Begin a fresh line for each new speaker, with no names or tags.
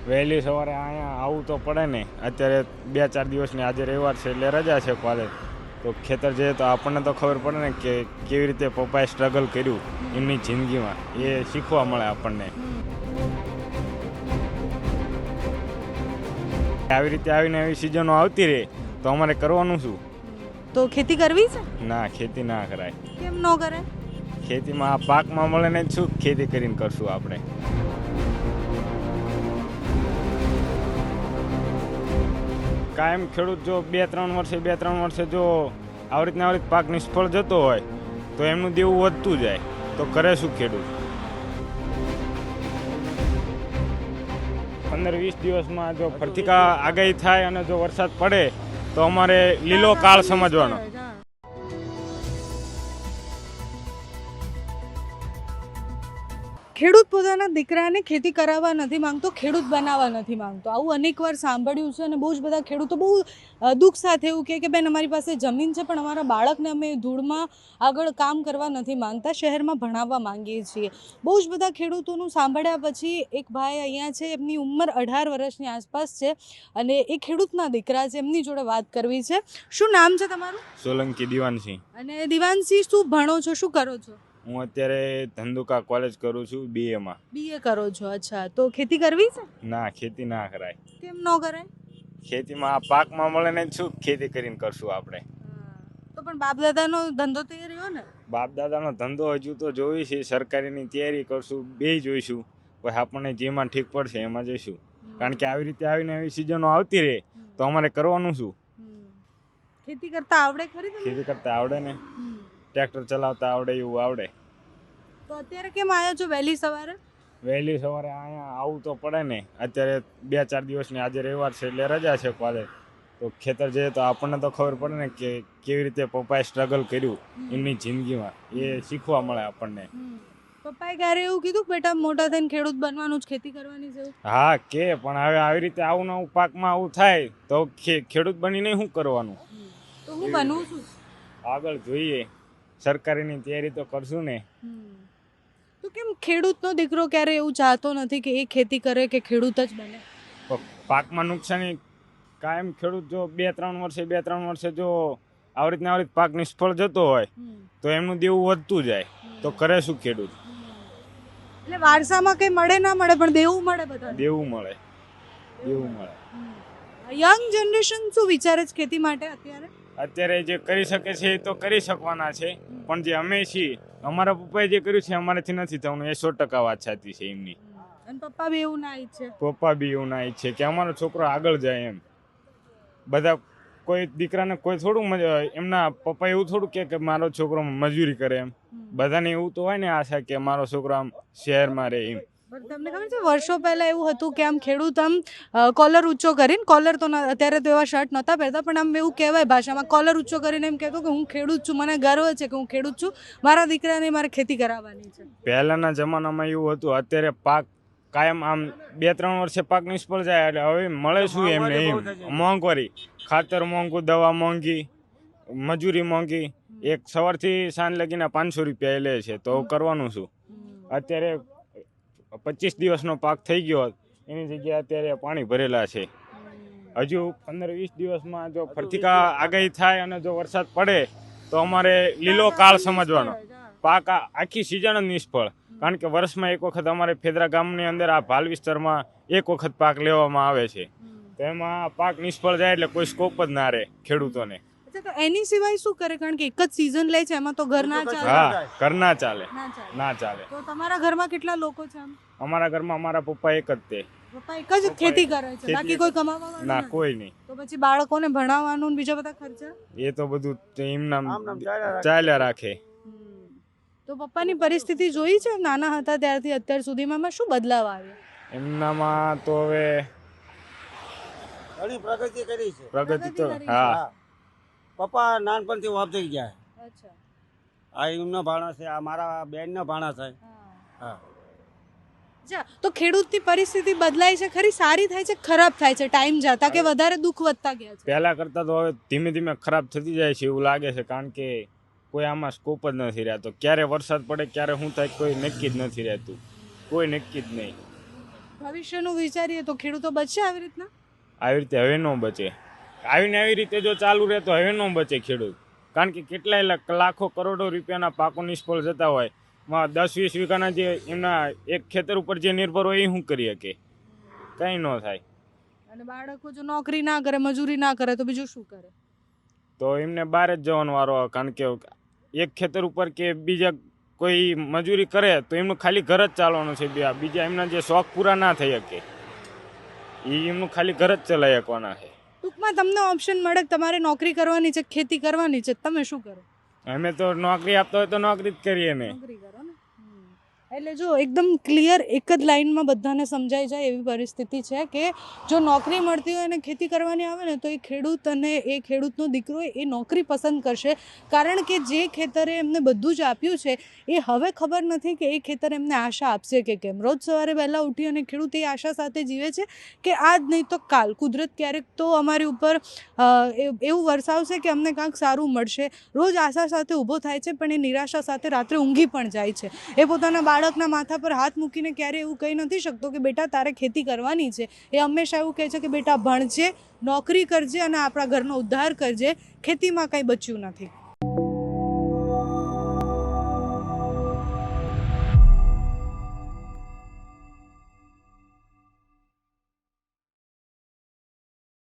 વહેલી સવારે અહીંયા આવવું તો પડે ને. અત્યારે 2-4 દિવસની આજે રવિવાર છે એટલે રજા છે કોલેજ, તો ખેતર જઈએ તો આપણને તો ખબર પડે ને કે કેવી રીતે પપ્પાએ સ્ટ્રગલ કર્યું એમની જિંદગીમાં, એ શીખવા મળે આપણને. આવી રીતે આવીને આવી સિઝનો આવતી રહે તો અમારે કરવાનું શું?
તો ખેતી કરવી છે?
ના, ખેતી ના કરાય.
કેમ ન કરાય?
ખેતીમાં આ પાકમાં મળે ને જ શું ખેતી કરીને કરશું આપણે? કાયમ ખેડૂત જો 2-3 વર્ષે જો આવી રીતના પાક નિષ્ફળ જતો હોય તો એમનું દેવું વધતું જાય તો કરે શું ખેડૂત? 15-20 દિવસમાં જો ફરતી આગાહી થાય અને જો વરસાદ પડે તો અમારે લીલો કાળ સમજવાનો.
ખેડૂત પોતાના દીકરાને ખેતી કરાવવા નથી માંગતો, ખેડૂત બનાવવા નથી માંગતો. આવું અનેકવાર સાંભળ્યું છે અને બહુ જ બધા ખેડૂતો બહુ દુઃખ સાથે એવું કહે કે બેન અમારી પાસે જમીન છે પણ અમારા બાળકને અમે ધૂળમાં આગળ કામ કરવા નથી માંગતા, શહેરમાં ભણાવવા માંગીએ છીએ. બહુ જ બધા ખેડૂતોનું સાંભળ્યા પછી એક ભાઈ અહીંયા છે, એમની ઉંમર 18 વર્ષની આસપાસ છે અને એ ખેડૂતના દીકરા છે, એમની જોડે વાત કરવી છે. શું નામ છે તમારું?
સોલંકી દિવાનસિંહ.
અને દિવાનસિંહ, શું ભણો છો, શું કરો છો?
હું અત્યારે ધંધુકા કોલેજ કરું છું, BA.
BA કરો છો? અચ્છા, તો ખેતી કરવી છે?
ના, ખેતી ના કરાય.
કેમ ન કરાય?
ખેતીમાં આ પાકમાં મળે ને જ શું ખેતી કરીને કરશું આપણે?
તો પણ બાપ દાદાનો ધંધો તો એ રહ્યો ને.
બાપ દાદાનો ધંધો હજુ તો જોઈ છે, સરકારીની તૈયારી કરશું, બે જોઈશું, પછી આપણને જેમાં ઠીક પડશે એમાં જઈશું. કારણ કે આવી રીતે આવીને આવી સિઝનો આવતી રહે તો અમારે કરવાનું શું?
ખેતી કરતા આવડે ખરી તમને?
ખેતી કરતા આવડે ને, ટ્રેક્ટર ચલાવતા આવડે, એવું આવડે.
તો અત્યારે કેમ આવ્યા છો વહેલી સવારે?
વહેલી સવારે અહીંયા આવવું તો પડે ને. અત્યારે 2-4 દિવસની આજે રવિવાર છે એટલે રજા છે કોલેજ, તો ખેતર જઈએ તો આપણને તો ખબર પડે ને કે કેવી રીતે પપ્પાએ સ્ટ્રગલ કર્યું એમની જિંદગીમાં, એ શીખવા મળે આપણને.
પપ્પાએ ક્યારે એવું કીધું બેટા મોટા થઈને ખેડૂત બનવાનું જ, ખેતી કરવાની છે?
હા કે, પણ હવે આવી રીતે આવું નવું પાકમાં આવું થાય તો ખેડૂત બનીને શું કરવાનું?
તો હું બનવું છું
આગળ જોઈએ, સરકારીની તૈયારી તો કરશું ને.
તો કેમ ખેડૂતનો દીકરો ક્યારે એવું ચાહતો નથી કે એ ખેતી કરે કે ખેડૂત જ બને?
પાકમાં નુકસાની કાયમ ખેડૂત જો 2-3 વર્ષે જો આવી રીતના પાક નિષ્ફળ જતો હોય તો એમનું દેવું વધતું જાય તો કરે શું ખેડૂત?
એટલે વારસામાં કઈ મળે ના મળે પણ દેવું મળે, બધા
દેવું મળે.
યંગ જનરેશન શું વિચારે છે ખેતી માટે
અત્યારે જે કરી શકે છે એ તો કરી શકવાના છે, પણ જે અમે છીએ, અમારા પપ્પાએ જે કર્યું છે અમારાથી નથી થવાનું, એ 100% વાત સાચી છે એમની.
અને પપ્પા બી એવું ના ઈચ્છે?
પપ્પા બી એવું ના ઈચ્છે કે અમારો છોકરો આગળ જાય એમ. બધા કોઈ દીકરાને કોઈ થોડું એમના પપ્પા એવું થોડું કે મારો છોકરો મજૂરી કરે એમ. બધાને એવું તો હોય ને આશા કે મારો છોકરો આમ શહેરમાં રહે એમ.
તમને ખબર છે વર્ષો પહેલા એવું હતું કે આમ ખેડૂત આમ કોલર ઊંચો કરીને, કોલર તો અત્યારે તો એવા શર્ટ નહોતા પહેરતા પણ આમ એવું કહેવાય ભાષામાં, કોલર ઊંચો કરીને એમ કહેતો કે હું ખેડૂત છું, મને ગર્વ છે કે હું ખેડૂત છું, મારા દીકરાને મારે ખેતી કરાવવાની છે. પહેલાના
જમાનામાં એવું હતું. અત્યારે પાક કાયમ આમ 2-3 વર્ષે પાક નિષ્ફળ જાય એટલે હવે મળે શું એમને? એમ મોંઘવારી, ખાતર મોંઘું, દવા મોંઘી, મજૂરી મોંઘી. એક સવારથી સાંજ લગીને 500 રૂપિયા લે છે, તો કરવાનું શું? અત્યારે 25 દિવસનો પાક થઈ ગયો, એની જગ્યાએ અત્યારે પાણી ભરેલા છે. હજુ 15-20 દિવસમાં જો ફરતી આગાહી થાય અને જો વરસાદ પડે તો અમારે લીલો કાળ સમજવાનો. પાક આખી સિઝન જ નિષ્ફળ. કારણ કે વર્ષમાં એક વખત અમારે ફેદરા ગામની અંદર આ ભાલ વિસ્તારમાં એક વખત પાક લેવામાં આવે છે, તો એમાં પાક નિષ્ફળ જાય એટલે કોઈ સ્કોપ જ ના રહે ખેડૂતોને.
તો એની સિવાય શું કરે? કારણ કે એક જ સીઝન લે છે, એમાં તો ઘર ના ચાલે.
હા, ઘર ના ચાલે, ના ચાલે.
તો તમારા ઘરમાં કેટલા લોકો છે?
અમારા ઘરમાં અમારા પપ્પા એક જ તે.
પપ્પા એક જ ખેતી કરે છે, બાકી કોઈ કમાવા વાળું
ના, કોઈ નહીં.
તો પછી બાળકોને ભણાવવાનું ને બીજા બધા ખર્ચા?
એ તો બધું એમના ચાલ્યા રાખે.
તો પપ્પાની પરિસ્થિતિ જોઈ છે નાના હતા ત્યારથી અત્યાર સુધીમાં શું બદલાવ આવ્યો
એમનામાં? તો હવે
ઘણી પ્રગતિ કરી છે.
પ્રગતિ તો હા,
પપ્પા નાનપણથી ઓફ થઈ ગયા.
અચ્છા,
આ એમના ભાણા છે, આ મારા બેનના ભાણા છે. હા.
અચ્છા, તો ખેડૂતની પરિસ્થિતિ બદલાય છે ખરી? સારી થાય છે, ખરાબ થાય છે ટાઈમ જતા, કે વધારે દુઃખ વધતા ગયા છે?
પહેલા કરતા તો હવે ધીમે ધીમે ખરાબ થતી જાય છે એવું લાગે છે. કારણ કે કોઈ આમાં સ્કોપ જ નથી રહેતો. ક્યારે વરસાદ પડે, ક્યારે શું થાય કોઈ નક્કી જ નથી રહેતું, કોઈ નક્કી જ નહીં.
ભવિષ્યનું વિચારીએ તો ખેડૂતો બચશે આવી રીતના?
આવી રીતે હવે ન બચે. આવીને આવી રીતે જો ચાલુ રહે તો હવે ન બચે ખેડૂત. કારણ કે કેટલાય લાખો કરોડો રૂપિયાના પાકો નિષ્ફળ જતા હોય, 10-20 વીઘાના જે એમના એક ખેતર ઉપર જે નિર્ભર હોય એ શું કરી શકે? કંઈ ન થાય.
અને બાળકો જો નોકરી ના કરે, મજૂરી ના કરે તો બીજું શું કરે?
તો એમને બહાર જ જવાનો વારો આવે. કારણ કે એક ખેતર ઉપર કે બીજા કોઈ મજૂરી કરે તો એમનું ખાલી ઘર જ ચાલવાનું છે. બીજા એમના જે શોખ પૂરા ના થઈ શકે એ એમનું ખાલી ઘર જ ચલાવી શકવાના છે.
ટૂંકમાં તમને ઓપ્શન મળે કે તમારે નોકરી કરવાની છે, ખેતી કરવાની છે, તમે શું કરો?
અમે તો નોકરી આપતા હોય તો નોકરી જ કરીએ ને.
નોકરી કરો ને. એટલે જો એકદમ ક્લિયર એક જ લાઈનમાં બધાને સમજાઈ જાય એવી પરિસ્થિતિ છે કે જો નોકરી મળતી હોય અને ખેતી કરવાની આવે ને તો એ ખેડૂત અને એ ખેડૂતનો દીકરો એ નોકરી પસંદ કરશે. કારણ કે જે ખેતરે એમને બધું જ આપ્યું છે એ હવે ખબર નથી કે એ ખેતર એમને આશા આપશે કે કેમ. રોજ સવારે વહેલા ઉઠી અને ખેડૂત એ આશા સાથે જીવે છે કે આજ નહીં તો કાલ કુદરત ક્યારેક તો અમારી ઉપર એવું વરસાવશે કે અમને કાંઈક સારું મળશે. રોજ આશા સાથે ઊભો થાય છે પણ એ નિરાશા સાથે રાત્રે ઊંઘી પણ જાય છે. એ પોતાના બાળકના માથા પર હાથ મૂકીને ક્યારે એવું કહી નથી શકતો કે બેટા તારે ખેતી કરવાની છે. એ હંમેશા એવું કહે છે કે બેટા ભણજે, નોકરી કરજે અને આપણા ઘરનો ઉદ્ધાર કરજે. ખેતીમાં કંઈ બચ્યું નથી.